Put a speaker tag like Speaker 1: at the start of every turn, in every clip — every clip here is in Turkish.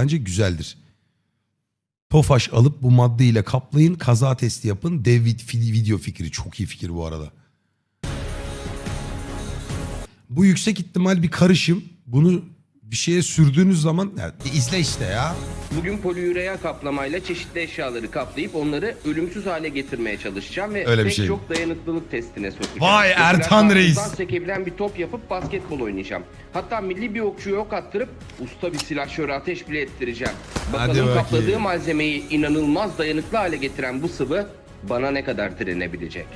Speaker 1: bence güzeldir. Tofaş alıp bu maddeyle kaplayın, kaza testi yapın. Dev video fikri. Çok iyi fikir bu arada. Bu yüksek ihtimal bir karışım. Bunu bir şeye sürdüğünüz zaman yani izle işte ya.
Speaker 2: Bugün poliüreya kaplamayla çeşitli eşyaları kaplayıp onları ölümsüz hale getirmeye çalışacağım ve
Speaker 1: Öyle bir
Speaker 2: pek
Speaker 1: şey.
Speaker 2: çok dayanıklılık testine sokacağım.
Speaker 1: Vay
Speaker 2: Mesela
Speaker 1: Ertan Reis.
Speaker 2: karpuzdan sekebilen bir top yapıp basketbol oynayacağım. Hatta milli bir okçuya ok attırıp usta bir silahşöre ateş bile ettireceğim.
Speaker 1: Hadi
Speaker 2: Bakalım
Speaker 1: bakayım.
Speaker 2: kapladığı malzemeyi inanılmaz dayanıklı hale getiren bu sıvı bana ne kadar direnebilecek?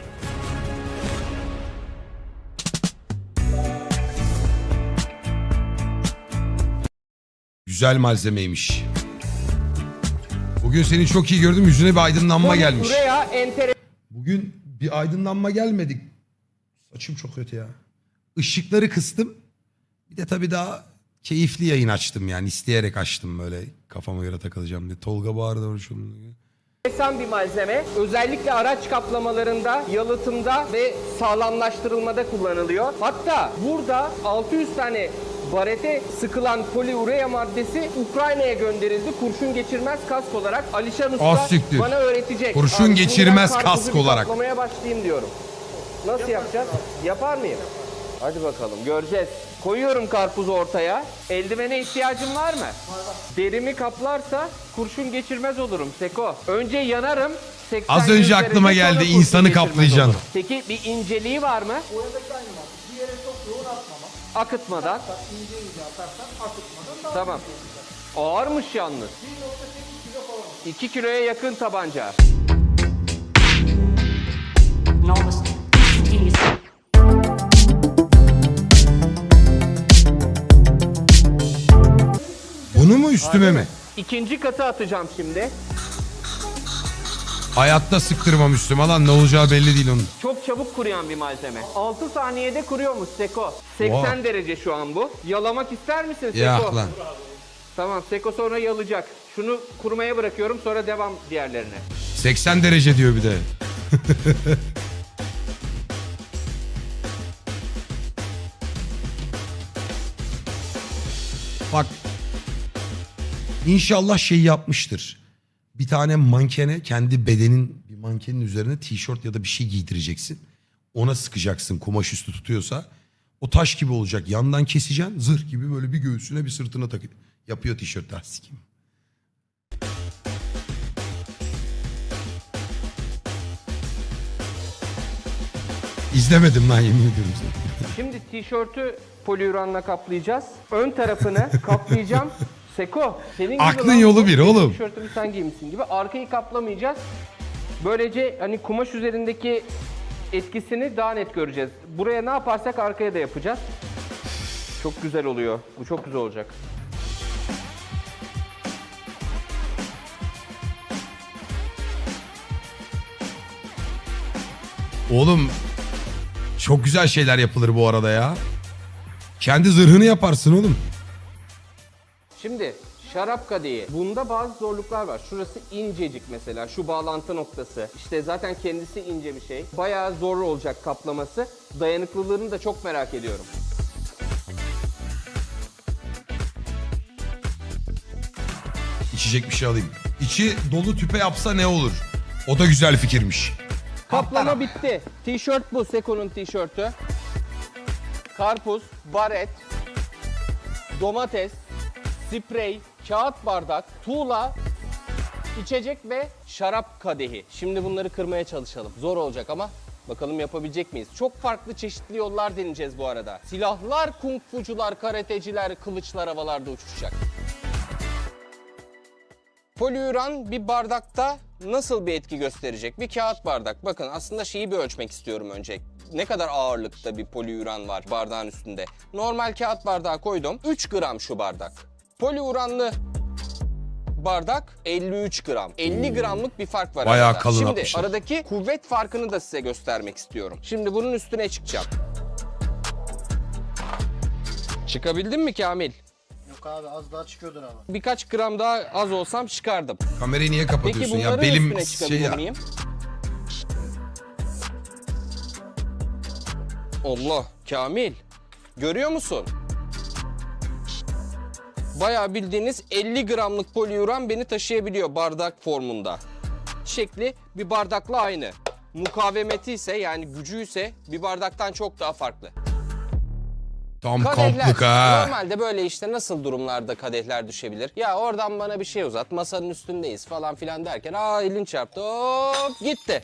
Speaker 1: Güzel malzemeymiş. Bugün seni çok iyi gördüm. Yüzüne bir aydınlanma gelmiş.
Speaker 2: Buraya enteresan
Speaker 1: Bugün bir aydınlanma gelmedik. Saçım çok kötü ya. Işıkları kıstım. Bir de tabii daha keyifli yayın açtım yani. İsteyerek açtım böyle kafama göre takılacağım diye. Tolga bağırdı.
Speaker 2: bir malzeme. Özellikle araç kaplamalarında, yalıtımda ve sağlamlaştırılmada kullanılıyor. Hatta burada 600 tane barete sıkılan poliurea maddesi Ukrayna'ya gönderildi. Kurşun geçirmez kask olarak. Alişan Usta
Speaker 1: Az siktir.
Speaker 2: bana öğretecek.
Speaker 1: Kurşun
Speaker 2: Abi,
Speaker 1: geçirmez
Speaker 2: şimdiden karpuzu
Speaker 1: kask
Speaker 2: bir
Speaker 1: olarak.
Speaker 2: Kaplamaya başlayayım diyorum. Nasıl yapacağız? Yapar mıyım? Hadi bakalım göreceğiz. Koyuyorum karpuzu ortaya. Eldivene ihtiyacın var mı? Var. Derimi kaplarsa kurşun geçirmez olurum Seko. Önce yanarım. 80
Speaker 1: Az önce aklıma
Speaker 2: derece,
Speaker 1: geldi,
Speaker 2: sonra kurşun
Speaker 1: insanı
Speaker 2: geçirmez
Speaker 1: kaplayacaksın.
Speaker 2: olurum. Peki bir inceliği var mı?
Speaker 3: Boyadaki aynı var. Bir yere çok yoğun atmamak.
Speaker 2: Akıtmadan.
Speaker 3: Hatta ince ince atarsan akıtmadan daha
Speaker 2: Tamam.
Speaker 3: iyi olacak.
Speaker 2: Ağırmış yalnız.
Speaker 3: 1.8 kilo falan.
Speaker 2: 2 kiloya yakın tabanca.
Speaker 4: Enormous, instantaneous.
Speaker 1: Bunu mu üstüme mi?
Speaker 2: İkinci katı atacağım şimdi.
Speaker 1: Hayatta sıktırmam üstüme lan, ne olacağı belli değil onun.
Speaker 2: Çok çabuk kuruyan bir malzeme. 6 saniyede kuruyormuş Seko. 80
Speaker 1: Oha.
Speaker 2: derece şu an bu. Yalamak ister misin Seko?
Speaker 1: Ya lan.
Speaker 2: Tamam, Seko sonra yalacak. Şunu kurumaya bırakıyorum, sonra devam diğerlerine.
Speaker 1: 80 derece diyor bir de. Bak. İnşallah şey yapmıştır. Bir tane mankene, kendi bedenin bir mankenin üzerine tişört ya da bir şey giydireceksin. Ona sıkacaksın, kumaş üstü tutuyorsa. O taş gibi olacak. Yandan keseceksin, zırh gibi böyle bir göğsüne bir sırtına takıyor. Yapıyor tişört lastik. İzlemedim lan, yemin ediyorum sana.
Speaker 2: Şimdi tişörtü poliuranla kaplayacağız. Ön tarafını kaplayacağım. Seko, senin gibi
Speaker 1: Aklın
Speaker 2: lan
Speaker 1: yolu
Speaker 2: bu.
Speaker 1: bir
Speaker 2: Benim
Speaker 1: oğlum.
Speaker 2: Tişörtümü sen giymişsin gibi. Arkayı kaplamayacağız. Böylece hani kumaş üzerindeki etkisini daha net göreceğiz. Buraya ne yaparsak arkaya da yapacağız. Çok güzel oluyor. Bu çok güzel olacak.
Speaker 1: Oğlum çok güzel şeyler yapılır bu arada ya. Kendi zırhını yaparsın oğlum.
Speaker 2: Şimdi şarap kadehi. Bunda bazı zorluklar var. Şurası incecik mesela. Şu bağlantı noktası. İşte zaten kendisi ince bir şey. Bayağı zor olacak kaplaması. Dayanıklılığını da çok merak ediyorum.
Speaker 1: İçecek bir şey alayım. İçi dolu tüpe yapsa ne olur? O da güzel fikirmiş.
Speaker 2: Kaplama bitti. Tişört bu. Seko'nun tişörtü. Karpuz, baret, domates, sprey, kağıt bardak, tuğla, içecek ve şarap kadehi. Şimdi bunları kırmaya çalışalım. Zor olacak ama bakalım yapabilecek miyiz? Çok farklı çeşitli yollar deneyeceğiz bu arada. Silahlar, kung fucular, karateciler, kılıçlar havalarda uçuşacak. Poliuran bir bardakta nasıl bir etki gösterecek? Bir kağıt bardak. Bakın aslında şeyi bir ölçmek istiyorum önce. Ne kadar ağırlıkta bir poliuran var bardağın üstünde? Normal kağıt bardağı koydum. 3 gram şu bardak. Poliuranlı bardak 53 gram. 50 gramlık bir fark var
Speaker 1: Bayağı
Speaker 2: arada.
Speaker 1: kalın
Speaker 2: Şimdi
Speaker 1: atmışlar.
Speaker 2: aradaki kuvvet farkını da size göstermek istiyorum. Şimdi bunun üstüne çıkacağım. Çıkabildin mi Kamil?
Speaker 3: Yok abi az daha çıkıyordur ama.
Speaker 2: Birkaç gram daha az olsam çıkardım.
Speaker 1: Kamerayı niye
Speaker 2: Peki
Speaker 1: kapatıyorsun
Speaker 2: bunların
Speaker 1: ya? Belim
Speaker 2: üstüne
Speaker 1: şey
Speaker 2: çıkabilir
Speaker 1: ya.
Speaker 2: miyim? Allah, Kamil. Görüyor musun? Bayağı bildiğiniz 50 gramlık poliuran beni taşıyabiliyor bardak formunda. Şekli bir bardakla aynı. Mukavemeti ise yani gücü ise bir bardaktan çok daha farklı.
Speaker 1: Tam
Speaker 2: Kadehler.
Speaker 1: kamplık ha.
Speaker 2: Normalde böyle işte nasıl durumlarda kadehler düşebilir? Ya oradan bana bir şey uzat, masanın üstündeyiz falan filan derken elin çarptı, hop gitti.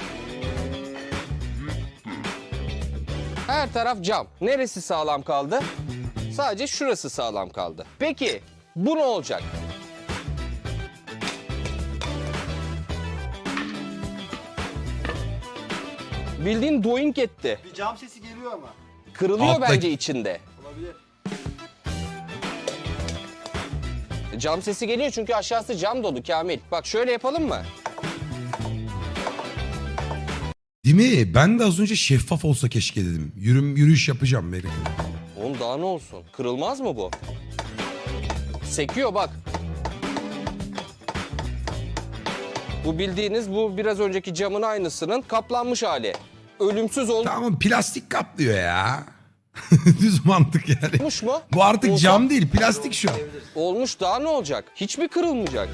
Speaker 2: Her taraf cam. Neresi sağlam kaldı? Sadece şurası sağlam kaldı. Peki bu ne olacak? Bildiğin doink etti.
Speaker 3: Bir cam sesi geliyor ama.
Speaker 2: Kırılıyor
Speaker 1: Alttaki-
Speaker 2: bence içinde.
Speaker 3: Olabilir.
Speaker 2: Cam sesi geliyor çünkü aşağısı cam dolu Kamil. Bak şöyle yapalım mı?
Speaker 1: Değil mi? Ben de az önce şeffaf olsa keşke dedim. Yürüyüş yapacağım belki.
Speaker 2: Oğlum daha ne olsun? Kırılmaz mı bu? Sekiyor bak. Bu bildiğiniz bu biraz önceki camın aynısının kaplanmış hali. Ölümsüz
Speaker 1: Tamam plastik kaplıyor ya. Düz mantık yani.
Speaker 2: olmuş mu?
Speaker 1: Bu artık
Speaker 2: Olsa-
Speaker 1: cam değil plastik şu an.
Speaker 2: Olmuş daha ne olacak? Hiç mi kırılmayacak?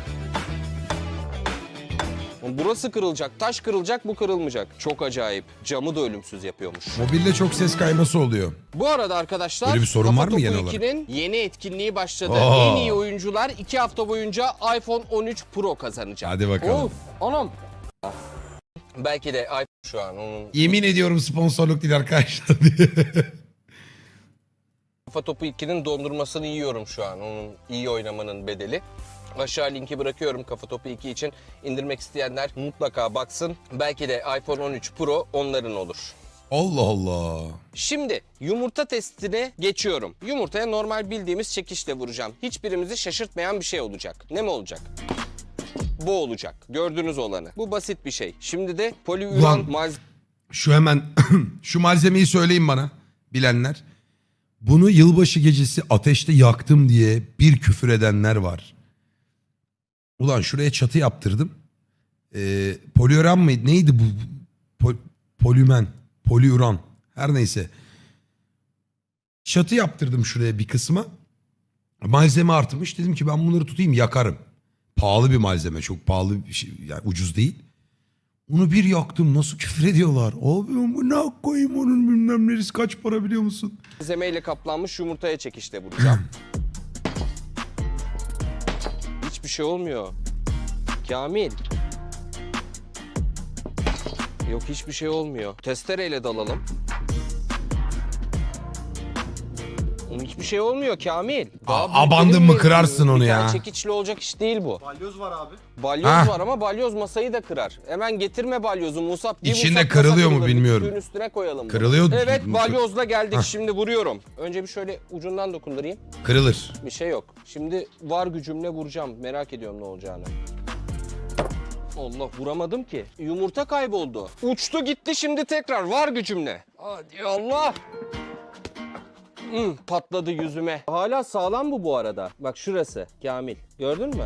Speaker 2: Burası kırılacak, taş kırılacak, bu kırılmayacak. Çok acayip. Camı da ölümsüz yapıyormuş.
Speaker 1: Mobilde çok ses kayması oluyor.
Speaker 2: Bu arada arkadaşlar
Speaker 1: Böyle bir sorun var mı
Speaker 2: Kafa
Speaker 1: genel
Speaker 2: Topu
Speaker 1: olarak?
Speaker 2: 2'nin yeni etkinliği başladı.
Speaker 1: Oo.
Speaker 2: En iyi oyuncular 2 hafta boyunca iPhone 13 Pro kazanacak.
Speaker 1: Hadi bakalım.
Speaker 2: Of, anam. Belki de iPhone şu an onun
Speaker 1: Yemin ediyorum sponsorluk değil arkadaşlar diye.
Speaker 2: Kafa Topu 2'nin dondurmasını yiyorum şu an. Onun iyi oynamanın bedeli. Aşağı linki bırakıyorum Kafa Topu 2 için. İndirmek isteyenler mutlaka baksın. Belki de iPhone 13 Pro onların olur.
Speaker 1: Allah Allah.
Speaker 2: Şimdi yumurta testine geçiyorum. Yumurtaya normal bildiğimiz çekişle vuracağım. Hiçbirimizi şaşırtmayan bir şey olacak. Ne mi olacak? Bu olacak. Gördüğünüz olanı. Bu basit bir şey. Şimdi de poliuran
Speaker 1: Ulan.
Speaker 2: malzeme...
Speaker 1: Şu hemen şu malzemeyi söyleyin bana bilenler. Bunu yılbaşı gecesi ateşte yaktım diye bir küfür edenler var. Ulan şuraya çatı yaptırdım. Poliuran mıydı? Neydi bu? Polümen. Poliuran. Her neyse. Çatı yaptırdım şuraya bir kısma. Malzeme artmış. Dedim ki ben bunları tutayım yakarım. Pahalı bir malzeme. Çok pahalı bir şey. Yani ucuz değil. Onu bir yaktım. Nasıl küfür ediyorlar? Abi bu ne koyayım onun bilmem neresi kaç para biliyor musun?
Speaker 2: malzemeyle kaplanmış yumurtaya çekişle vuracağım. Hiçbir şey olmuyor. Kamil. Yok hiçbir şey olmuyor. Testereyle dalalım. Oğlum hiçbir şey olmuyor Kamil. Daha büyük
Speaker 1: abandın
Speaker 2: benim
Speaker 1: mı
Speaker 2: mevzum.
Speaker 1: kırarsın onu
Speaker 2: Bir tane
Speaker 1: ya.
Speaker 2: çekiçle olacak iş değil bu.
Speaker 3: Balyoz var abi.
Speaker 2: Balyoz
Speaker 1: Ha.
Speaker 2: var ama balyoz masayı da kırar. Hemen getirme balyozu Musab. Bir
Speaker 1: İçinde
Speaker 2: Musab
Speaker 1: kırılıyor mu
Speaker 2: masa kırılır.
Speaker 1: bilmiyorum.
Speaker 2: Kütüğün üstüne koyalım. bunu.
Speaker 1: Kırılıyor.
Speaker 2: Evet balyozla geldik şimdi vuruyorum. Önce bir şöyle ucundan dokundurayım.
Speaker 1: Kırılır.
Speaker 2: Bir şey yok. Şimdi var gücümle vuracağım. Merak ediyorum ne olacağını. Allah vuramadım ki. Yumurta kayboldu. Uçtu gitti şimdi tekrar var gücümle. Hadi Allah. Patladı yüzüme. Hala sağlam bu arada. Bak şurası Kamil. Gördün mü?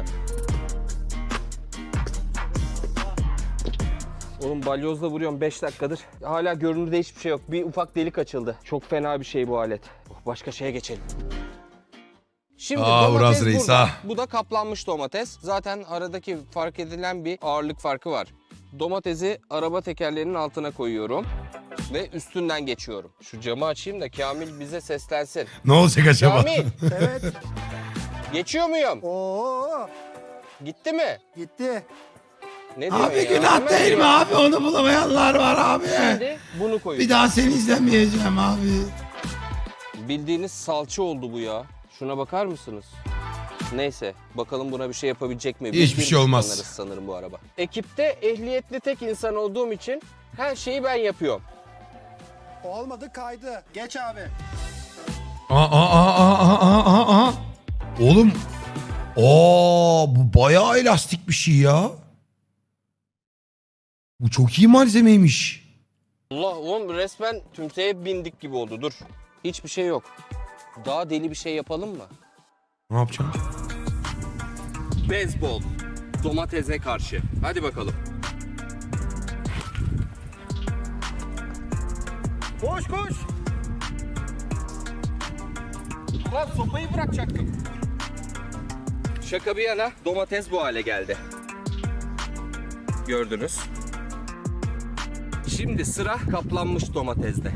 Speaker 2: Oğlum balyozla vuruyorum 5 dakikadır. Hala görünürde hiçbir şey yok. Bir ufak delik açıldı. Çok fena bir şey bu alet. Başka şeye geçelim. Şimdi
Speaker 1: Uraz
Speaker 2: domates
Speaker 1: Reis,
Speaker 2: burada.
Speaker 1: ha.
Speaker 2: Bu da kaplanmış domates. Zaten aradaki fark edilen bir ağırlık farkı var. Domatesi araba tekerlerinin altına koyuyorum. Ve üstünden geçiyorum. Şu camı açayım da Kamil bize seslensin.
Speaker 1: Ne olacak acaba?
Speaker 2: Kamil
Speaker 3: Evet.
Speaker 2: geçiyor muyum?
Speaker 3: Oo,
Speaker 2: Gitti mi?
Speaker 3: gitti.
Speaker 2: Ne diyor
Speaker 1: Abi
Speaker 2: ya?
Speaker 1: günah
Speaker 2: Hemen
Speaker 1: değil mi
Speaker 2: diyor.
Speaker 1: abi? Onu bulamayanlar var abi.
Speaker 2: Şimdi bunu koyuyorum.
Speaker 1: Bir daha seni izlemeyeceğim abi.
Speaker 2: Bildiğiniz salça oldu bu ya. Şuna bakar mısınız? Neyse bakalım buna bir şey yapabilecek mi?
Speaker 1: Hiçbir
Speaker 2: Biz
Speaker 1: şey olmaz.
Speaker 2: kullanırız sanırım bu araba. Ekipte ehliyetli tek insan olduğum için her şeyi ben yapıyorum.
Speaker 3: Olmadı kaydı. Geç abi.
Speaker 1: Aa. Oğlum. Bu bayağı elastik bir şey ya. Bu çok iyi malzemeymiş.
Speaker 2: Allah oğlum resmen tümseye bindik gibi oldu dur. Hiçbir şey yok. Daha deli bir şey yapalım mı?
Speaker 1: Ne yapacağım?
Speaker 2: Beyzbol. Domatese karşı. Hadi bakalım.
Speaker 3: Koş koş.
Speaker 2: Lan sopayı bırakacaktım. Şaka bir yana domates bu hale geldi. Gördünüz. Şimdi sıra kaplanmış domatesde.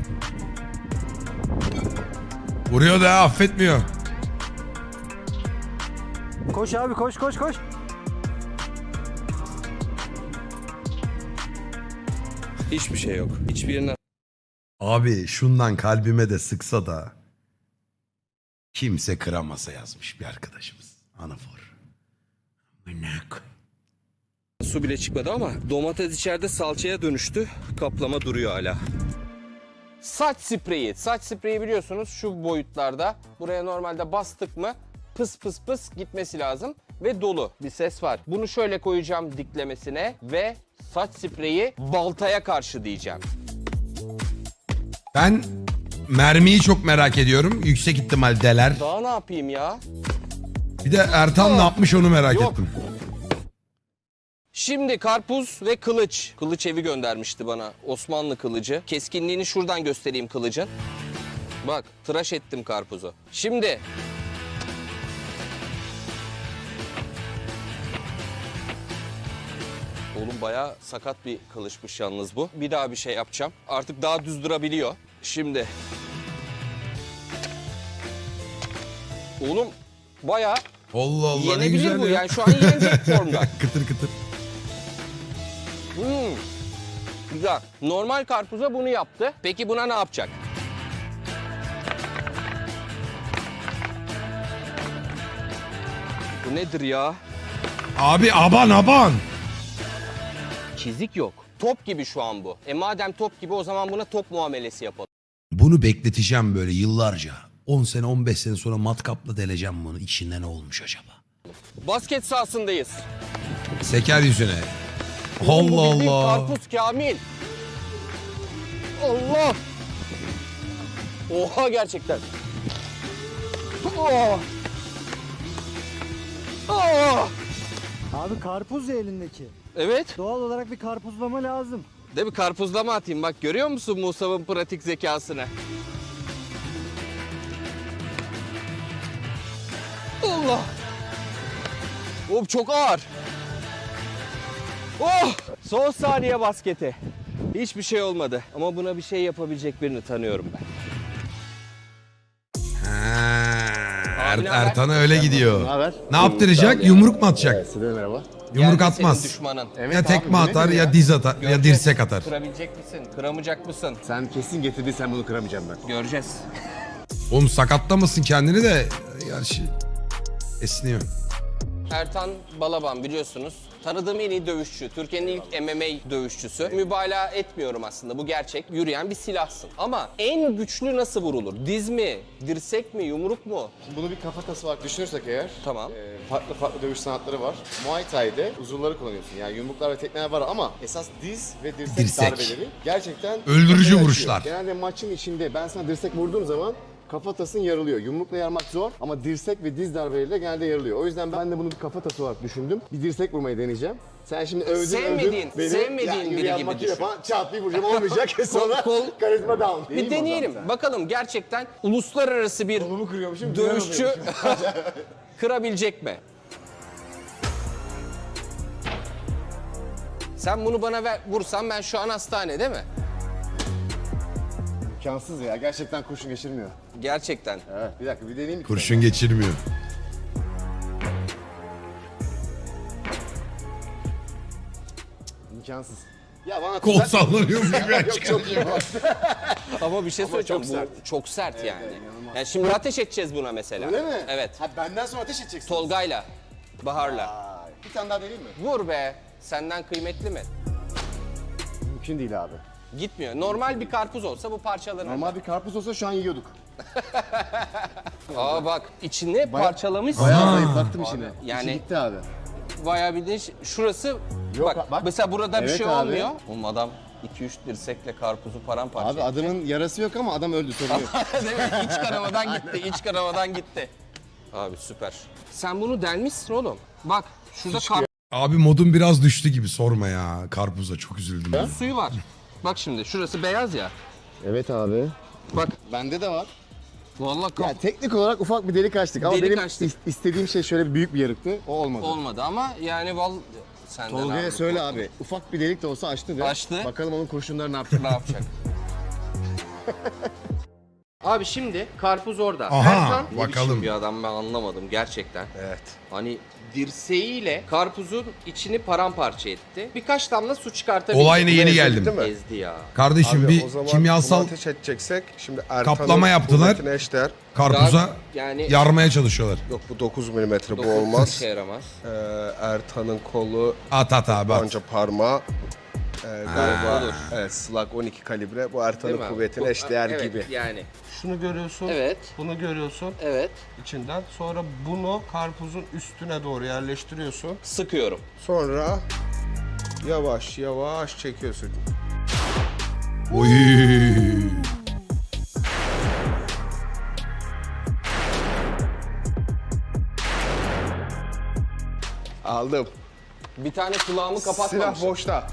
Speaker 1: Vuruyor da affetmiyor.
Speaker 3: Koş abi koş koş koş.
Speaker 2: Hiçbir şey yok. Hiçbirine
Speaker 1: Abi şundan kalbime de sıksa da kimse kıramasa yazmış bir arkadaşımız. Anafor. Mınak.
Speaker 2: su bile çıkmadı ama domates içeride salçaya dönüştü. Kaplama duruyor hala. Saç spreyi. Saç spreyi biliyorsunuz şu boyutlarda. Buraya normalde bastık mı pıs pıs pıs gitmesi lazım. Ve dolu bir ses var. Bunu şöyle koyacağım diklemesine ve saç spreyi baltaya karşı diyeceğim.
Speaker 1: Ben mermiyi çok merak ediyorum. Yüksek ihtimal deler.
Speaker 2: Daha ne yapayım ya?
Speaker 1: Bir de Ertan ne yapmış onu merak
Speaker 2: Yok.
Speaker 1: ettim.
Speaker 2: Şimdi karpuz ve kılıç. Kılıç evi göndermişti bana. Osmanlı kılıcı. Keskinliğini şuradan göstereyim kılıcın. Bak tıraş ettim karpuzu. Şimdi... Oğlum bayağı sakat bir kılıçmış yalnız bu. Bir daha bir şey yapacağım. Artık daha düz durabiliyor. Şimdi... Oğlum bayağı
Speaker 1: Allah Allah ne
Speaker 2: yenebilir
Speaker 1: güzel
Speaker 2: bu.
Speaker 1: ya.
Speaker 2: Yani şu an yenecek formda.
Speaker 1: Kıtır kıtır.
Speaker 2: Güzel. Normal karpuza bunu yaptı. Peki buna ne yapacak? Bu nedir ya?
Speaker 1: Abi aban.
Speaker 2: Çizik yok. Top gibi şu an bu. Madem top gibi o zaman buna top muamelesi yapalım.
Speaker 1: Bunu bekleteceğim böyle yıllarca. 10 sene 15 sene sonra matkapla deleceğim bunu. İçinde ne olmuş acaba?
Speaker 2: Basket sahasındayız.
Speaker 1: Seker yüzüne.
Speaker 2: Oğlum bu
Speaker 1: Allah
Speaker 2: bildiğin
Speaker 1: Allah.
Speaker 2: Karpuz Kamil. Allah. Oha gerçekten. Oh. Oh.
Speaker 3: Abi karpuz ya elindeki.
Speaker 2: Evet.
Speaker 3: Doğal olarak bir karpuzlama lazım.
Speaker 2: De bir karpuzlama atayım. Bak görüyor musun Musab'ın pratik zekasını? Allah! Oğlum çok ağır. Oh! Son saniye basketi. Hiçbir şey olmadı. Ama buna bir şey yapabilecek birini tanıyorum ben. Abi ne haber?
Speaker 1: Ertan'a öyle gidiyor.
Speaker 5: haber?
Speaker 1: Ne yaptıracak? Yumruk mu atacak?
Speaker 5: Size de merhaba.
Speaker 1: Yumruk
Speaker 2: Geldi
Speaker 1: atmaz.
Speaker 2: senin düşmanın.
Speaker 1: Ya tekme
Speaker 5: abi,
Speaker 1: atar
Speaker 5: demek
Speaker 1: ya
Speaker 5: ya.
Speaker 1: diz atar ya
Speaker 2: Göreceğiz.
Speaker 1: dirsek atar.
Speaker 2: Kırabilecek misin? Kıramayacak mısın?
Speaker 5: Sen kesin getirdiysen bunu kıramayacağım ben.
Speaker 2: Göreceğiz.
Speaker 1: Oğlum sakatlamasın kendini de. Gerçi esniyor.
Speaker 2: Ertan Balaban biliyorsunuz. Tanıdığım en iyi dövüşçü. Türkiye'nin ilk MMA dövüşçüsü. Mübalağa etmiyorum aslında. Bu gerçek. Yürüyen bir silahsın. Ama en güçlü nasıl vurulur? Diz mi? Dirsek mi? Yumruk mu?
Speaker 5: Bunu bir kafatası olarak düşünürsek eğer,
Speaker 2: Tamam.
Speaker 5: farklı dövüş sanatları var. Muay Thai'de uzuvları kullanıyorsun. Yani yumruklar ve tekmeler var ama esas diz ve dirsek,
Speaker 1: Dirsek.
Speaker 5: darbeleri gerçekten
Speaker 1: Öldürücü
Speaker 5: kafayı açıyor.
Speaker 1: vuruşlar.
Speaker 5: Genelde maçın içinde ben sana dirsek vurduğum zaman kafatasın yarılıyor. Yumrukla yarmak zor ama dirsek ve diz darbeleriyle genelde yarılıyor. O yüzden ben de bunu bir kafatası olarak düşündüm. Bir dirsek vurmayı deneyeceğim. Sen şimdi övdün
Speaker 2: Sevmediğin biri
Speaker 5: yürüyen
Speaker 2: gibi
Speaker 5: makine
Speaker 2: düşün.
Speaker 5: falan çat bir vuracağım olmayacak. Sonra karizma down.
Speaker 2: Bir deneyelim. Bakalım gerçekten uluslararası bir
Speaker 5: Kolumu kırıyormuşum.
Speaker 2: dövüşçü kırabilecek mi? Sen bunu bana vursan ben şu an hastane değil mi?
Speaker 5: İmkansız ya. Gerçekten kurşun geçirmiyor.
Speaker 2: Gerçekten.
Speaker 5: Evet. Bir dakika bir deneyeyim. bir
Speaker 1: Kurşun
Speaker 5: tane.
Speaker 1: geçirmiyor.
Speaker 5: İmkansız. Ya bana
Speaker 1: Kol sallanıyor mu?
Speaker 5: Yok çok iyi.
Speaker 2: Ama bir şey söyleyeceğim.
Speaker 5: çok
Speaker 2: Bu
Speaker 5: sert.
Speaker 2: çok sert yani.
Speaker 5: inanılmaz.
Speaker 2: Yani şimdi ateş edeceğiz buna mesela.
Speaker 5: Öyle mi?
Speaker 2: Evet.
Speaker 5: Ha benden sonra ateş edeceksin.
Speaker 2: Tolga'yla, Bahar'la.
Speaker 5: Vay. Bir tane daha deneyeyim mi?
Speaker 2: Vur be. Senden kıymetli mi?
Speaker 5: Mümkün değil abi.
Speaker 2: Gitmiyor. Normal bir karpuz olsa bu parçalanır.
Speaker 5: Normal bir karpuz olsa şu an yiyorduk.
Speaker 2: Aa bak içini parçalamışsın.
Speaker 5: Bayağı zayıflattım işini.
Speaker 2: Yani-
Speaker 5: Yani... gitti abi.
Speaker 2: Bayağı bir de şurası
Speaker 5: Yok,
Speaker 2: bak, mesela burada bir
Speaker 5: Evet
Speaker 2: şey
Speaker 5: abi.
Speaker 2: olmuyor. Oğlum adam 2-3 dirsekle karpuzu paramparça
Speaker 5: Abi adamın yarası yok ama adam öldü sorun yok.
Speaker 2: Değil mi? İç kanamadan gitti, iç kanamadan gitti. Abi süper. Sen bunu delmişsin oğlum. Bak şurada karpuz
Speaker 1: Abi modum biraz düştü gibi sorma ya. Karpuza çok üzüldüm. Ya.
Speaker 2: suyu var. Bak şimdi şurası beyaz ya.
Speaker 5: Evet abi.
Speaker 2: Bak
Speaker 5: Bende de var.
Speaker 2: Vallahi
Speaker 5: Yani teknik olarak ufak bir delik açtık ama
Speaker 2: Delik
Speaker 5: benim
Speaker 2: açtık.
Speaker 5: istediğim şey şöyle bir büyük bir yarıktı. O olmadı.
Speaker 2: olmadı ama yani senden
Speaker 5: Tolga'ya
Speaker 2: abi,
Speaker 5: söyle abi. Ufak bir delik de olsa açtı de.
Speaker 2: Açtı.
Speaker 5: Bakalım onun kurşunları ne yapacak.
Speaker 2: ne yapacak? Abi şimdi karpuz orada.
Speaker 1: Aha,
Speaker 2: Erkan, ne
Speaker 1: bakalım.
Speaker 2: biçim bir adam ben anlamadım gerçekten.
Speaker 5: Evet.
Speaker 2: Hani dirseğiyle karpuzun içini paramparça etti. Birkaç damla su çıkartabildi.
Speaker 1: Olayına yeni geldim.
Speaker 6: Değil mi?
Speaker 2: Ezdi ya.
Speaker 1: Kardeşim
Speaker 6: Abi
Speaker 1: bir
Speaker 6: o zaman
Speaker 1: kimyasal
Speaker 6: bunu ateş edeceksek şimdi Ertan'ın
Speaker 1: kaplama yaptılar.
Speaker 6: kuvvetine eşdeğer.
Speaker 1: karpuza
Speaker 2: Yani
Speaker 1: yarmaya çalışıyorlar.
Speaker 6: Yok bu 9 milimetre bu
Speaker 2: dokuz
Speaker 6: olmaz.
Speaker 2: işe yaramaz.
Speaker 6: Ertan'ın kolu
Speaker 1: At abi at.
Speaker 6: anca parmağı. Galiba
Speaker 2: olur.
Speaker 6: evet, Slug 12 kalibre bu
Speaker 2: Değil
Speaker 6: Ertan'ın
Speaker 2: mi?
Speaker 6: kuvvetine
Speaker 2: Bu-
Speaker 6: eşdeğer
Speaker 2: evet,
Speaker 6: gibi.
Speaker 2: Yani.
Speaker 6: Şunu görüyorsun.
Speaker 2: Evet.
Speaker 6: Bunu görüyorsun
Speaker 2: Evet.
Speaker 6: içinden. Sonra bunu karpuzun üstüne doğru yerleştiriyorsun.
Speaker 2: Sıkıyorum.
Speaker 6: Sonra yavaş yavaş çekiyorsun.
Speaker 1: Oy.
Speaker 6: Aldım.
Speaker 2: Bir tane kulağımı kapatmamışım.
Speaker 6: Silah boşta.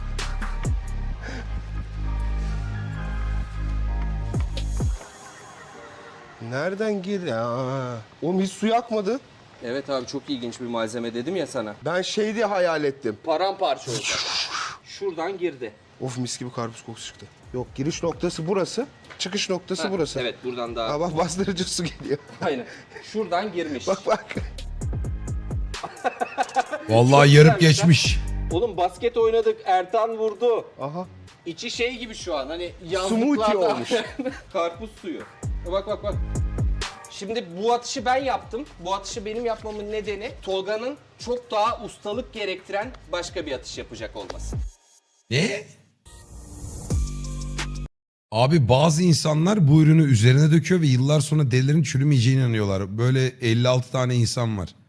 Speaker 6: Nereden gir ya? Oğlum hiç su yakmadı.
Speaker 2: Evet abi çok ilginç bir malzeme dedim ya sana.
Speaker 6: Ben şey diye hayal ettim.
Speaker 2: Paramparça olacak. Şuradan girdi.
Speaker 6: Of mis gibi karpuz kokusu çıktı. Yok giriş noktası burası, çıkış noktası burası.
Speaker 2: Evet buradan daha.
Speaker 6: Ha bak bastırıcı su geliyor.
Speaker 2: Aynen. Şuradan girmiş.
Speaker 6: Bak.
Speaker 1: Vallahi yarıp geçmiş.
Speaker 2: Oğlum basket oynadık. Ertan vurdu.
Speaker 6: Aha.
Speaker 2: İçi şey gibi şu an hani
Speaker 6: Smoothie
Speaker 2: yazlıklarda
Speaker 6: olmuş.
Speaker 2: karpuz suyu. Bak. Şimdi bu atışı ben yaptım. Bu atışı benim yapmamın nedeni Tolga'nın çok daha ustalık gerektiren başka bir atış yapacak olması.
Speaker 1: Ne? Abi bazı insanlar bu ürünü üzerine döküyor ve yıllar sonra derilerin çürümeyeceğine inanıyorlar. Böyle 56 tane insan var.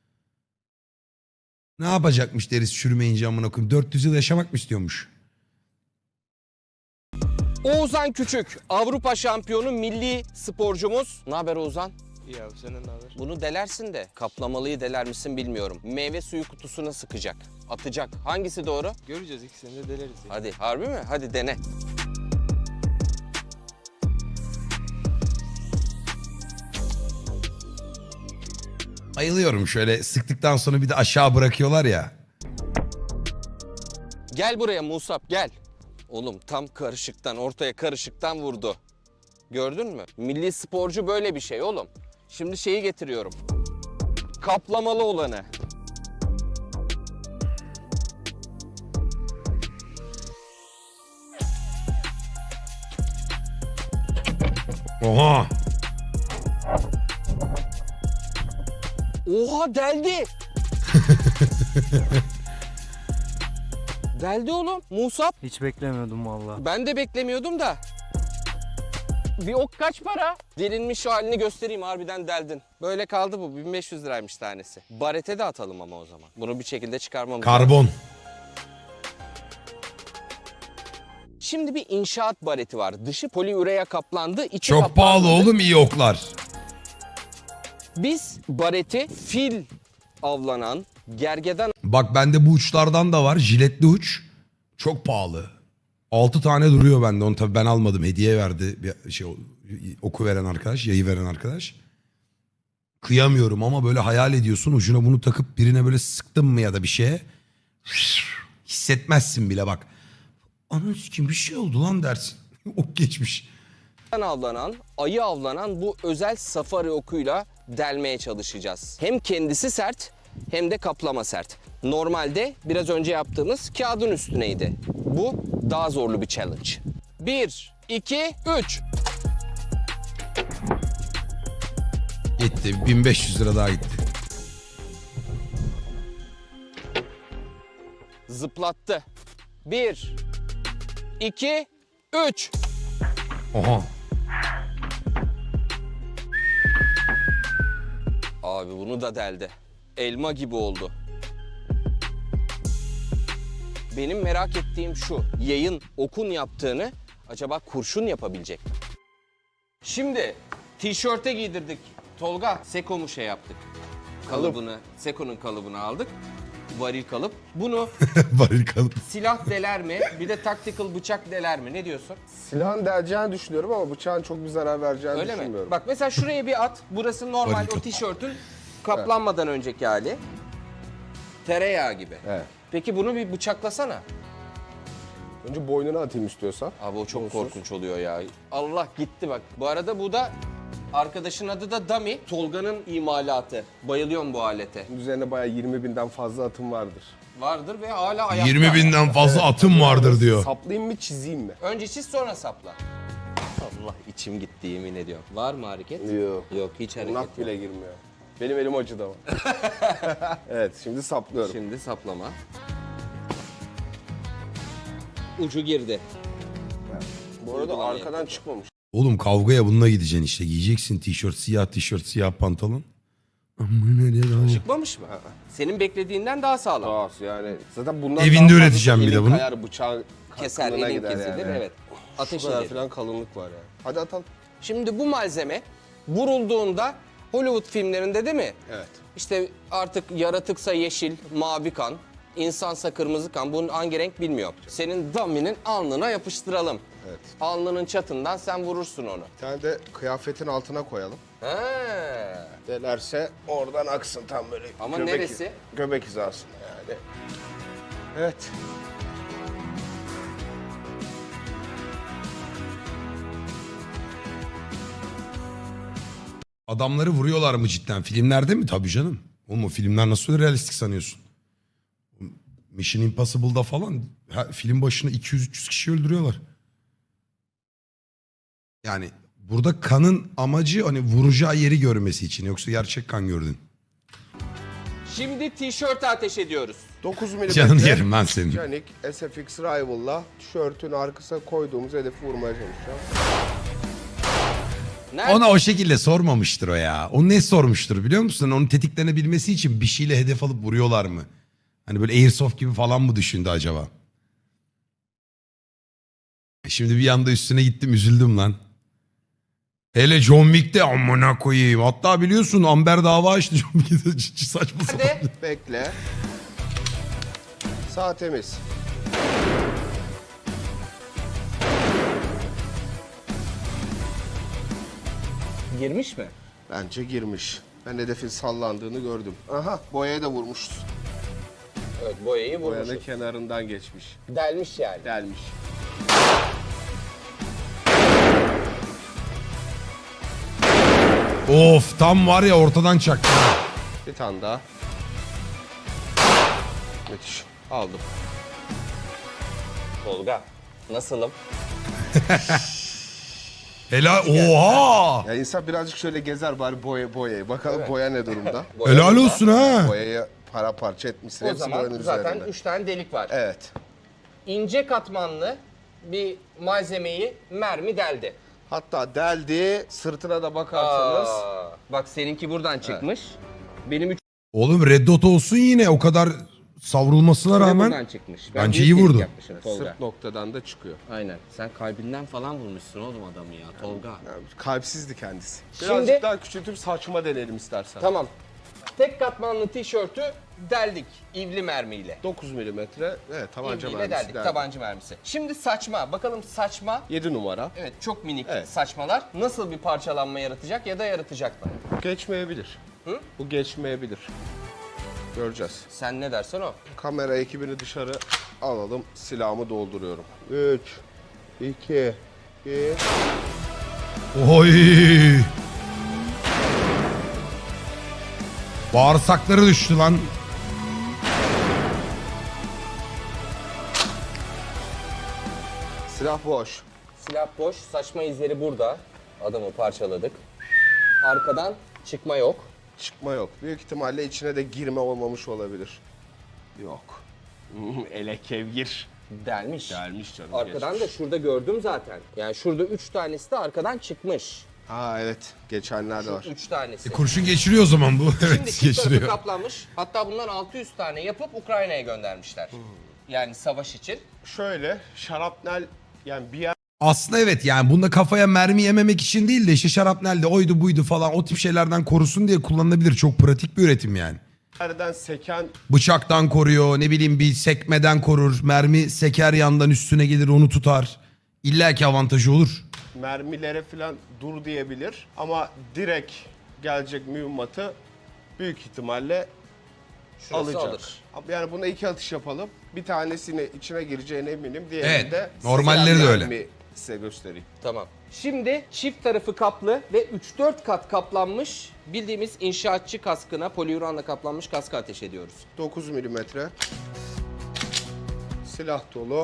Speaker 1: Ne yapacakmış derisi çürümeyince amına koyayım? 400 yıl yaşamak mı istiyormuş?
Speaker 2: Oğuzhan Küçük, Avrupa şampiyonu milli sporcumuz. Ne haber Oğuzhan?
Speaker 7: İyi abi senin ne haber?
Speaker 2: Bunu delersin de kaplamalıyı deler misin bilmiyorum. Meyve suyu kutusuna sıkacak, atacak. Hangisi doğru?
Speaker 7: Göreceğiz ikisini de deleriz. Ya.
Speaker 2: Hadi harbi mi? Hadi dene.
Speaker 1: Ayılıyorum şöyle sıktıktan sonra bir de aşağı bırakıyorlar ya.
Speaker 2: Gel buraya Musab gel. Oğlum tam karışıktan ortaya karışıktan vurdu. Gördün mü? Milli sporcu böyle bir şey oğlum. Şimdi şeyi getiriyorum. Kaplamalı olanı.
Speaker 1: Oha.
Speaker 2: Oha deldi. Deldi oğlum. Musab.
Speaker 3: Hiç beklemiyordum vallahi.
Speaker 2: Ben de beklemiyordum da. Bir ok kaç para? Delinmiş halini göstereyim harbiden deldin. Böyle kaldı bu 1500 liraymış tanesi. Barete de atalım ama o zaman. Bunu bir şekilde çıkarmamız lazım.
Speaker 1: Karbon.
Speaker 2: Şimdi bir inşaat bareti var. Dışı poliüreya kaplandı, içi
Speaker 1: Çok
Speaker 2: kaplanmadı.
Speaker 1: pahalı oğlum iyi oklar.
Speaker 2: Biz bareti fil avlanan, gergedan
Speaker 1: Bak bende bu uçlardan da var. Jiletli uç. Çok pahalı. 6 tane duruyor bende. Onu tabii ben almadım. Hediye verdi bir şey oku veren arkadaş, yayı veren arkadaş. Kıyamıyorum ama böyle hayal ediyorsun. Ucuna bunu takıp birine böyle sıktın mı ya da bir şeye hissetmezsin bile bak. Anam kim bir şey oldu lan dersin. Ok geçmiş.
Speaker 2: avlanan, ayı avlanan bu özel safari okuyla delmeye çalışacağız. Hem kendisi sert hem de kaplama sert. Normalde biraz önce yaptığımız kağıdın üstüneydi. Bu daha zorlu bir challenge. 1, 2, 3.
Speaker 1: Gitti. 1500 lira daha gitti.
Speaker 2: Zıplattı. 1, 2, 3.
Speaker 1: Oha.
Speaker 2: Abi bunu da deldi. Elma gibi oldu. Benim merak ettiğim şu. Yayın okun yaptığını acaba kurşun yapabilecek mi? Şimdi tişörte giydirdik. Tolga, Seko'mu şey yaptık. Kalıbını, Seko'nun kalıbını aldık. varil kalıp. Bunu
Speaker 1: Varil kalıp.
Speaker 2: silah deler mi? Bir de tactical bıçak deler mi? Ne diyorsun?
Speaker 6: Silahın deleceğini düşünüyorum ama bıçağın çok bir zarar vereceğini
Speaker 2: Öyle mi?
Speaker 6: düşünmüyorum.
Speaker 2: Bak mesela şuraya bir at. Burası normal
Speaker 1: Varil
Speaker 2: o
Speaker 1: kalıp.
Speaker 2: tişörtün kaplanmadan önceki hali. Tereyağı gibi.
Speaker 6: Evet.
Speaker 2: Peki bunu bir bıçaklasana.
Speaker 6: Önce boynuna atayım istiyorsan.
Speaker 2: Abi o çok
Speaker 6: Onsuz.
Speaker 2: korkunç oluyor ya. Allah gitti bak. Bu arada bu da arkadaşın adı da Dami. Tolga'nın imalatı. Bayılıyorum bu alete.
Speaker 6: Üzerine bayağı 20.000'den fazla atım vardır.
Speaker 2: Vardır ve hala ayakta.
Speaker 1: 20.000'den fazla atım vardır diyor.
Speaker 6: Saplayayım mı çizeyim mi?
Speaker 2: Önce çiz sonra sapla. Allah içim gitti yemin ediyorum. Var mı hareket?
Speaker 6: Yok.
Speaker 2: Yok hiç hareket
Speaker 6: Nak
Speaker 2: yok.
Speaker 6: bile girmiyor. Benim elim acıdı ama. Evet şimdi saplıyorum.
Speaker 2: Şimdi saplama. Ucu girdi.
Speaker 6: Bu arada
Speaker 2: Uygulama
Speaker 6: arkadan çıkmamış.
Speaker 1: Oğlum kavgaya bununla gideceksin işte. Giyeceksin tişört, siyah pantolon. Amına ne daha.
Speaker 2: Çıkmamış mı? Senin beklediğinden daha sağlam.
Speaker 6: Doğası yani. Zaten bundan
Speaker 1: Evinde
Speaker 6: daha fazlası
Speaker 1: üreteceğim bir de
Speaker 6: elin
Speaker 1: bunu.
Speaker 6: Kayar, bıçağın
Speaker 2: Keser,
Speaker 6: kalınlığına
Speaker 2: elin
Speaker 6: gider
Speaker 2: kesilir
Speaker 6: yani.
Speaker 2: evet. Ateş
Speaker 6: Şu kadar
Speaker 2: eder.
Speaker 6: falan kalınlık var yani. Hadi atalım.
Speaker 2: Şimdi bu malzeme vurulduğunda Hollywood filmlerinde değil mi?
Speaker 6: Evet.
Speaker 2: İşte artık yaratıksa yeşil, mavi kan, insansa kırmızı kan. Bunun hangi renk bilmiyorum. Senin Dami'nin alnına yapıştıralım.
Speaker 6: Evet.
Speaker 2: Alnının çatından sen vurursun onu.
Speaker 6: Bir tane de kıyafetin altına koyalım.
Speaker 2: He.
Speaker 6: Delerse oradan aksın tam böyle.
Speaker 2: Ama neresi?
Speaker 6: Göbek hizasında yani. Evet.
Speaker 1: Adamları vuruyorlar mı cidden? Filmlerde mi? Tabii canım. Oğlum o filmler nasıl öyle realistik sanıyorsun? Mission Impossible'da falan film başına 200-300 kişi öldürüyorlar. Yani burada kanın amacı hani vuracağı yeri görmesi için. Yoksa gerçek kan gördün.
Speaker 2: Şimdi tişörte ateş ediyoruz.
Speaker 6: 9 mm.
Speaker 1: Canını yerim lan senin.
Speaker 6: Canik SFX Rival'la tişörtün arkasına koyduğumuz hedefi vurmaya çalışacağım.
Speaker 2: Nerede?
Speaker 1: Ona o şekilde sormamıştır o ya. O ne sormuştur biliyor musun? Onu tetiklenebilmesi için bir şeyle hedef alıp vuruyorlar mı? Hani böyle Airsoft gibi falan mı düşündü acaba? Şimdi bir anda üstüne gittim üzüldüm lan. Hele John Wick'te amına koyayım. Hatta biliyorsun Amber dava açtı John Wick'te saçma sapan.
Speaker 2: Nerede?
Speaker 6: Bekle. Sağ temiz.
Speaker 2: Girmiş mi?
Speaker 6: Bence girmiş. Ben hedefin sallandığını gördüm. Aha boyaya da vurmuşuz.
Speaker 2: Evet boyayı
Speaker 6: Boyanın
Speaker 2: vurmuşuz.
Speaker 6: kenarından geçmiş.
Speaker 2: Delmiş yani.
Speaker 6: Delmiş.
Speaker 1: Of tam var ya ortadan çaktı.
Speaker 6: Bir tane daha. Müthiş. Aldım.
Speaker 2: Tolga. Nasılım?
Speaker 1: Helal. Oha.
Speaker 6: Ya insan birazcık şöyle gezer bari boyayı. Bakalım boya ne durumda.
Speaker 1: Helal olsun ha.
Speaker 6: Boyayı paramparça etmişsin.
Speaker 2: O
Speaker 6: Hepsi
Speaker 2: zaman
Speaker 6: boyanın
Speaker 2: zaten
Speaker 6: üzerinde.
Speaker 2: 3 tane delik var.
Speaker 6: Evet.
Speaker 2: İnce katmanlı bir malzemeyi mermi deldi.
Speaker 6: Hatta deldi. Sırtına da bakarsanız.
Speaker 2: Bak seninki buradan çıkmış. Benim 3
Speaker 1: Oğlum Red Dot olsun yine o kadar savrulmasına
Speaker 2: buradan
Speaker 1: rağmen.
Speaker 2: çıkmış.
Speaker 1: Bence
Speaker 2: büyük
Speaker 1: iyi
Speaker 2: delik
Speaker 1: vurdu.
Speaker 2: yapmışım Tolga.
Speaker 6: Sırt noktadan da çıkıyor.
Speaker 2: Aynen. Sen kalbinden falan vurmuşsun oğlum adamı ya Tolga.
Speaker 6: Yani kalpsizdi kendisi.
Speaker 2: Şimdi-
Speaker 6: Birazcık daha küçültüp saçma deneyelim istersen.
Speaker 2: Tamam. Tek katmanlı tişörtü deldik ivli mermiyle.
Speaker 6: 9 milimetre. Evet tabanca
Speaker 2: İvliyle
Speaker 6: mermisi.
Speaker 2: deldik
Speaker 6: deldi.
Speaker 2: tabanca mermisi. Şimdi saçma. Bakalım saçma.
Speaker 6: 7 numara.
Speaker 2: Evet çok minik
Speaker 6: Evet.
Speaker 2: saçmalar nasıl bir parçalanma yaratacak ya da yaratacak mı?
Speaker 6: Geçmeyebilir.
Speaker 2: Hı?
Speaker 6: Bu geçmeyebilir. Göreceğiz.
Speaker 2: Sen ne dersen o.
Speaker 6: Kamera ekibini dışarı alalım. Silahımı dolduruyorum. 3, 2, 1.
Speaker 1: Oy. Bağırsakları düştü lan.
Speaker 6: Silah boş.
Speaker 2: Silah boş, saçma izleri burada. Adamı parçaladık. Arkadan çıkma yok.
Speaker 6: Çıkma yok. Büyük ihtimalle içine de girme olmamış olabilir. Yok. Ele kevgir.
Speaker 2: Delmiş.
Speaker 6: Gelmiş canım.
Speaker 2: Arkadan
Speaker 6: geçmiş.
Speaker 2: da şurada gördüm zaten. Yani şurada 3 tanesi de arkadan çıkmış.
Speaker 6: Ha evet. Geçenlerde var.
Speaker 2: 3 tanesi.
Speaker 1: Kurşun geçiriyor o zaman bu.
Speaker 2: Şimdi
Speaker 1: Evet
Speaker 2: çift tarafı
Speaker 1: geçiriyor.
Speaker 2: kaplanmış. Hatta bundan 600 tane yapıp Ukrayna'ya göndermişler. Yani savaş için.
Speaker 6: Şöyle şarapnel yani bir yer
Speaker 1: Aslında evet yani bunda kafaya mermi yememek için değil de işte şarapnelde oydu buydu falan o tip şeylerden korusun diye kullanılabilir. Çok pratik bir üretim yani.
Speaker 6: Nereden seken
Speaker 1: Bıçaktan koruyor, ne bileyim bir sekmeden korur. Mermi seker yandan üstüne gelir onu tutar. İlla ki avantajı olur.
Speaker 6: mermilere falan dur diyebilir. Ama direkt gelecek mühimmatı büyük ihtimalle
Speaker 2: Şurası
Speaker 6: alacak.
Speaker 2: alır.
Speaker 6: Yani buna 2 atış yapalım. Bir tanesini içine gireceğine eminim. Diğerini
Speaker 1: Evet,
Speaker 6: de
Speaker 1: normalleri de öyle.
Speaker 6: mermi size göstereyim.
Speaker 2: Tamam. Şimdi çift tarafı kaplı ve 3-4 kat kaplanmış bildiğimiz inşaatçı kaskına poliuranla kaplanmış kaskı ateş ediyoruz.
Speaker 6: 9 milimetre. Silah dolu.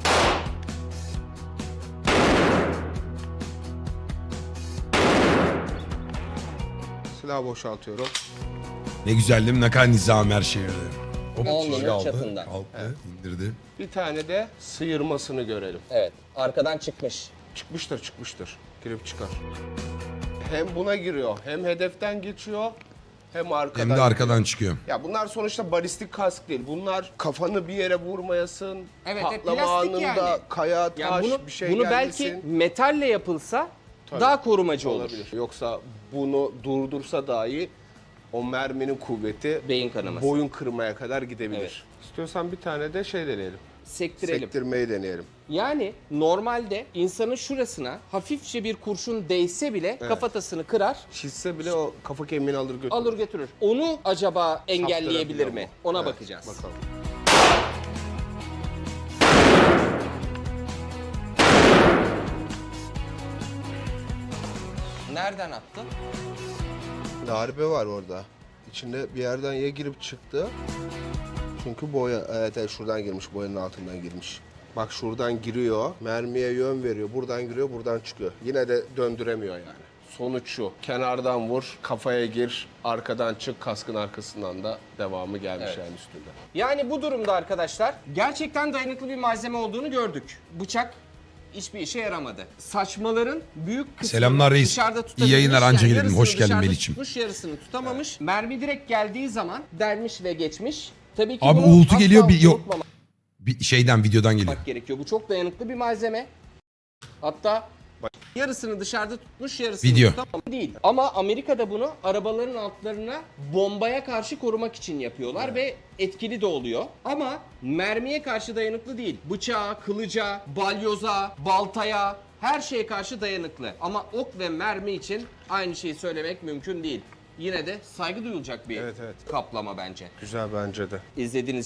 Speaker 6: Silah boşaltıyorum.
Speaker 1: Ne güzel değil mi? Ne kadar nizam her şey öyle. Hop,
Speaker 2: Alnının
Speaker 1: şey aldı,
Speaker 2: çapında.
Speaker 1: aldı, indirdi.
Speaker 6: Bir tane de sıyırmasını görelim.
Speaker 2: Evet. Arkadan çıkmış.
Speaker 6: Çıkmıştır. Girip çıkar. Hem buna giriyor, hem hedeften geçiyor, hem arkadan.
Speaker 1: Hem de arkadan çıkıyor.
Speaker 6: Ya bunlar sonuçta balistik kask değil. Bunlar kafanı bir yere vurmayasın.
Speaker 2: Evet,
Speaker 6: patlama
Speaker 2: plastik
Speaker 6: anında
Speaker 2: yani.
Speaker 6: kaya, taş,
Speaker 2: Yani bunu,
Speaker 6: bir şey
Speaker 2: bunu
Speaker 6: gelmesin.
Speaker 2: belki metalle yapılsa
Speaker 6: Tabii.
Speaker 2: daha korumacı olur.
Speaker 6: Olabilir. Yoksa bunu durdursa dahi o merminin kuvveti
Speaker 2: Beyin kanaması.
Speaker 6: boyun kırmaya kadar gidebilir.
Speaker 2: Evet.
Speaker 6: İstiyorsan bir tane de şey deneyelim.
Speaker 2: Sektirelim.
Speaker 6: Sektirmeyi deneyelim.
Speaker 2: Yani normalde insanın şurasına hafifçe bir kurşun değse bile kafatasını kırar,
Speaker 6: Çizse bile o kafa kemiğini alır götürür.
Speaker 2: alır götürür. Onu acaba engelleyebilir
Speaker 6: Saptırabiliyor
Speaker 2: mi?
Speaker 6: mu?
Speaker 2: Ona
Speaker 6: Evet,
Speaker 2: bakacağız.
Speaker 6: Bakalım.
Speaker 2: Nereden attı?
Speaker 6: Darbe var orada. İçinde bir yerden ya girip çıktı. Çünkü boya, evet şuradan girmiş, boyanın altından girmiş. Bak şuradan giriyor, mermiye yön veriyor. Buradan giriyor, buradan çıkıyor. Yine de döndüremiyor yani. Sonuç şu, kenardan vur, kafaya gir, arkadan çık, kaskın arkasından da devamı gelmiş
Speaker 2: Evet.
Speaker 6: yani üstünde.
Speaker 2: Yani bu durumda arkadaşlar gerçekten dayanıklı bir malzeme olduğunu gördük. Bıçak hiçbir işe yaramadı. Saçmaların büyük kısmını
Speaker 1: Selamlar reis.
Speaker 2: dışarıda
Speaker 1: İyi
Speaker 2: tutabilmiş.
Speaker 1: yayınlar, anca gelelim.
Speaker 2: yarısını
Speaker 1: Hoş geldin
Speaker 2: dışarıda
Speaker 1: Melih'ciğim.
Speaker 2: tutmuş, yarısını tutamamış. Mermi direkt geldiği zaman delmiş ve geçmiş. Tabii ki
Speaker 1: Abi
Speaker 2: bunu
Speaker 1: uğultu
Speaker 2: asla
Speaker 1: geliyor, bir yok.
Speaker 2: unutmamak
Speaker 1: Bir şeyden, videodan geliyor.
Speaker 2: gerekiyor. Bu çok dayanıklı bir malzeme. Hatta yarısını dışarıda tutmuş, yarısını
Speaker 1: Video.
Speaker 2: tutamamış değil. Ama Amerika'da bunu arabaların altlarına bombaya karşı korumak için yapıyorlar ve etkili de oluyor. Ama mermiye karşı dayanıklı değil. Bıçağa, kılıca, balyoza, baltaya her şeye karşı dayanıklı. Ama ok ve mermi için aynı şeyi söylemek mümkün değil. Yine de saygı duyulacak bir
Speaker 6: Evet, evet.
Speaker 2: kaplama bence.
Speaker 6: Güzel bence de.
Speaker 2: İzlediğiniz